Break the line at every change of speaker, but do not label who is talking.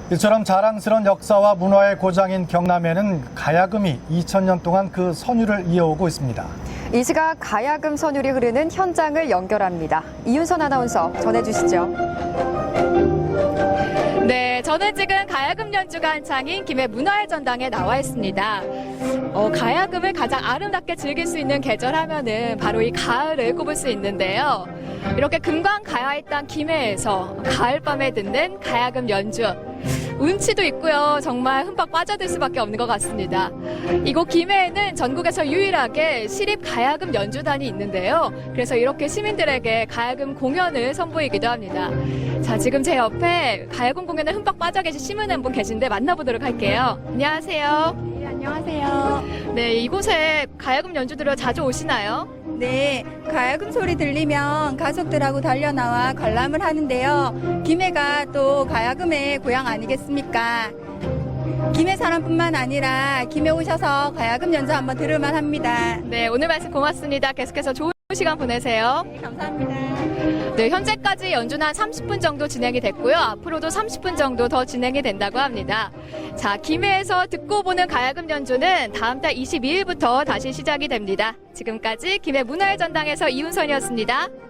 이처럼 자랑스러운 역사와 문화의 고장인 경남에는 가야금이 2000년 동안 그 선율을 이어오고 있습니다.
이 시각 가야금 선율이 흐르는 현장을 연결합니다. 이윤선 아나운서 전해주시죠.
네, 저는 지금 가야금 연주가 한창인 김해 문화의 전당에 나와 있습니다. 가야금을 가장 아름답게 즐길 수 있는 계절 하면은 바로 이 가을을 꼽을 수 있는데요. 이렇게 금강 가야의 땅 김해에서 가을밤에 듣는 가야금 연주. 운치도 있고요. 정말 흠뻑 빠져들 수밖에 없는 것 같습니다. 이곳 김해에는 전국에서 유일하게 시립 가야금 연주단이 있는데요. 그래서 이렇게 시민들에게 가야금 공연을 선보이기도 합니다. 자, 지금 제 옆에 가야금 공연에 흠뻑 빠져 계신 시민분 계신데 만나보도록 할게요. 안녕하세요.
네, 안녕하세요.
네, 이곳에 가야금 연주 들으러 자주 오시나요?
네, 가야금 소리 들리면 가족들하고 달려나와 관람을 하는데요. 김해가 또 가야금의 고향 아니겠습니까? 김해 사람뿐만 아니라 김해 오셔서 가야금 연주 한번 들을만 합니다.
네, 오늘 말씀 고맙습니다. 계속해서 좋은 시간 보내세요.
네, 감사합니다.
네, 현재까지 연주는 한 30분 정도 진행이 됐고요. 앞으로도 30분 정도 더 진행이 된다고 합니다. 자, 김해에서 듣고 보는 가야금 연주는 다음 달 22일부터 다시 시작이 됩니다. 지금까지 김해 문화의 전당에서 이윤선이었습니다.